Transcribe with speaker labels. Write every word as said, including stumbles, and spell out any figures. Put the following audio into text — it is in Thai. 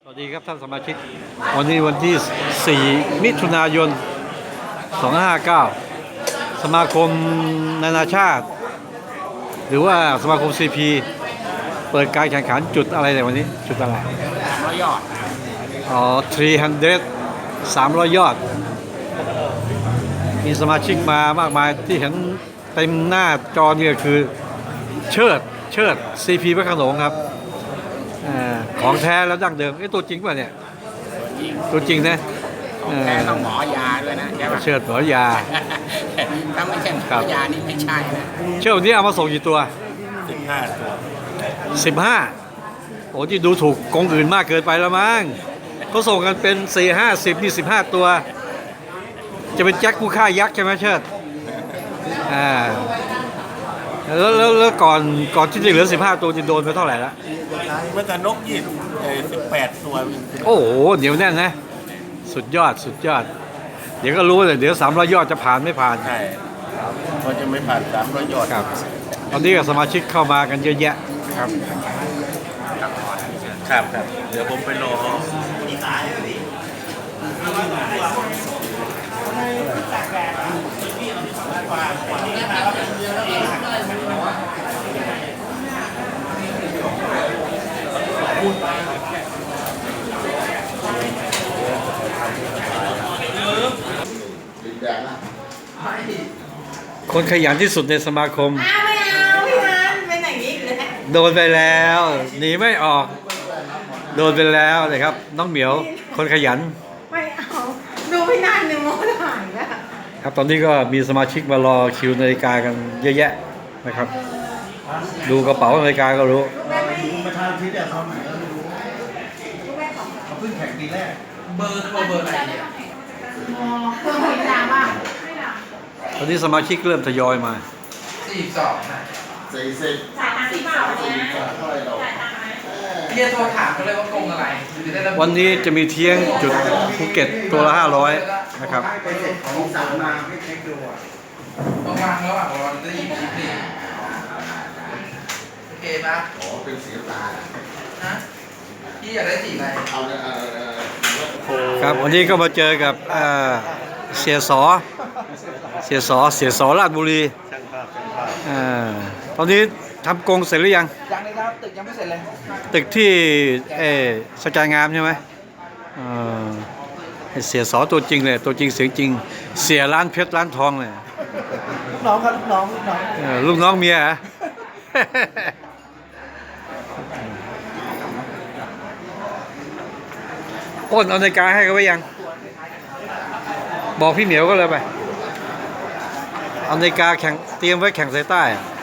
Speaker 1: สวัสดีครับท่านสมาชิกวันนี้วันที่สี่มิถุนายนสองพันห้าร้อยห้าสิบเก้าสมาคมนานาชาติหรือว่าสมาคม ซี พี เปิดการแข่งขันจุดอะไรในวันนี้จุดอะไร
Speaker 2: ร้อยยอด
Speaker 1: อ๋อสามร้อยยอดมีสมาชิกมามากมายที่เห็นเต็มหน้าจอเนี่ยคือเชิดเชิด ซี พี พระโขนงครับของแท้แล้วดั้งเดิมไอ้ตัวจริงป่ะเนี่ยตัวจริงนะ
Speaker 2: ของแท้ต้องหมอยาด้วยนะใช่ป่ะ
Speaker 1: เชิดหมอยา
Speaker 2: ถ้าไม่ใช่หมอยานี่ไม่ใช่นะ
Speaker 1: เชิดวันนี้เอามาส่งกี่ตัว
Speaker 2: สิบห้าตัว
Speaker 1: สิบห้าโอ้ที่ดูถูกกองอื่นมากเกินไปแล้วมั้งเขาส่งกันเป็นสี่ห้าสิบนี่สิบห้าตัวจะเป็นแจ็คผู้ฆ่ายักษ์ใช่ไหมเชิดอ่าแล้วแล้วแล้วก่อนก่อนที่จะเหลือสิบห้าตัวจะโดนไปเท่าไหร่ละ
Speaker 2: เมื่อกันนกยี่สิบแปดตัว
Speaker 1: โอ้โหเดี๋ยวแน่นนะสุดยอดสุดยอดเดี๋ยวก็รู้เลยเดี๋ยวสามร้อยยอดจะผ่านไม่ผ่าน
Speaker 2: ใช่เขาจะไม่ผ่านสามร้อยยอด
Speaker 1: ครับตอนนี้กับสมาชิกเข้ามากันเยอะแยะครับ
Speaker 2: ครับครับเดี๋ยวผมไปรอ
Speaker 1: คนขยันที่สุดในสมาคม
Speaker 3: ไม่เอาพี่นันเป็นอย่างนี้เลย
Speaker 1: โดนไปแล้วหนีไม่ออกโดนไปแล้วเลยครับน้องเหมียวคนขยัน
Speaker 3: ไม่เอาดูพี่นันหนึ่งโมถ่ายแล้ว
Speaker 1: ครับตอนนี้ก็มีสมาชิกมารอคิวนาฬิกากันเยอะแยะนะครับดูกระเป๋านาฬิกาก็รู้
Speaker 2: ประธานที่เนี่ยเขาไหนก็ไม่รู้เขาเพิ่งแข่งปีแรกเบอร์เขาเบอร์อะไรเนี่ย
Speaker 3: อ๋อเพิ่มอีกดังป่ะ
Speaker 1: ตอนนี้สมาชิกเริ่มทยอยมา
Speaker 2: สี่สองนะ
Speaker 3: สี่สิบจ่ายตังค์ที่เปล่าเนี่ย
Speaker 2: เท่าไหร่หรอพี่จะโทรถามเขาเลยว่ากงอะไร
Speaker 1: วันนี้จะมีเที่ยงจุดภูเก็ตตัวละห้าร้อยนะครับ
Speaker 2: ไปเสร็จของสามมาไม่เช็คดูอ่ะต้องวางแล้วอ่ะเราจะหยิบชิปนี่โอเคปะ
Speaker 4: อ๋อเป็นสีตา
Speaker 2: ฮะพี่อยากได้สีอะไร
Speaker 4: เอาเออ
Speaker 1: ครับวันนี้ก็มาเจอกับเสียสอเสียสอเสียสอราชบุรีตอนนี้ทำกรงเสร็จหรือยัง
Speaker 2: ยังเลยครับตึกยังไม่เสร็จเลย
Speaker 1: ตึกที่เอสกายงามใช่ไหมเสียสอตัวจริงเลยตัวจริงเสียงจริงเสียร้านเพชรร้านทองเลย
Speaker 2: น้องครับลูกน้องลูกน้อง
Speaker 1: ลูกน้องเมียฮะอ้นเอานาฬิกาให้เขาไว้ยังบอกพี่เหมียวก็เลยไปเอานาฬิกาแข่งเตรียมไว้แข่งสายใต้